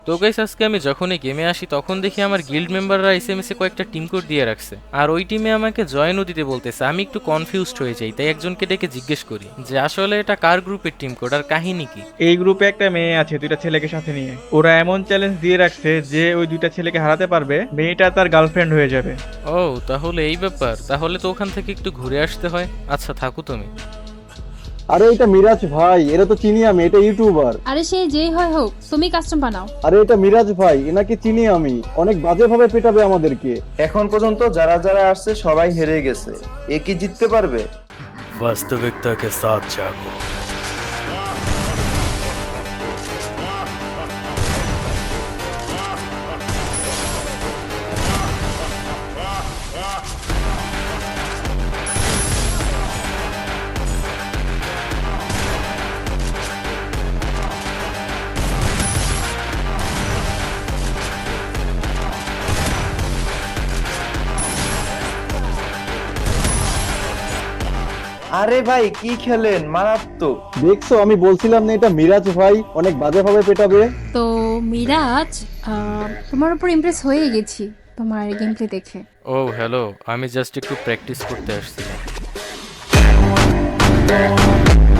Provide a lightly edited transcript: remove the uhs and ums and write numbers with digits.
তো গাইস আজকে আমি যখনই গেমে আসি তখন দেখি আমার গিল্ড মেম্বাররা এসএমএসে কয়েকটা টিম কোড দিয়ে রাখছে, আর ওই টিমে আমাকে জয়েনও দিতে বলতেছে। আমি একটু কনফিউজড হয়ে যাই, তাই একজনকে ডেকে জিজ্ঞেস করি যে আসলে এটা কার গ্রুপের টিম কোড আর কাহিনী কি। এই গ্রুপে একটা মেয়ে আছে দুইটা ছেলেকে সাথে নিয়ে। ওরা এমন চ্যালেঞ্জ দিয়ে রাখছে যে ওই দুইটা ছেলেকে হারাতে পারবে মেয়েটা তার গার্লফ্রেন্ড হয়ে যাবে। ও তাহলে এই ব্যাপার, তাহলে তো ওখান থেকে একটু ঘুরে আসতে হয়। আচ্ছা থাকো তুমি। আরে এটা মিরাজ ভাই, এরা তো চিনি আমি, এটা ইউটিউবার। আরে সে যেই হয় হোক, তুমি কাস্টম বানাও। আরে এটা মিরাজ ভাই, এনাকে চিনি আমি, অনেক বাজে ভাবে পেটাবে আমাদেরকে। এখন পর্যন্ত যারা যারা আসছে সবাই হেরে গেছে, এ কি জিততে পারবে? वास्तविकता के साथ जागो। আরে ভাই কি খেলেন, মারাত্মক। দেখছো, আমি বলছিলাম না এটা মিরাজ ভাই অনেক বাজে ভাবে পেটাবে। তো মিরাজ, তোমার উপর ইমপ্রেস হয়ে গেছি তোমার গেম প্লে দেখে। ও হ্যালো, আমি জাস্ট একটু প্র্যাকটিস করতে আসছিলাম।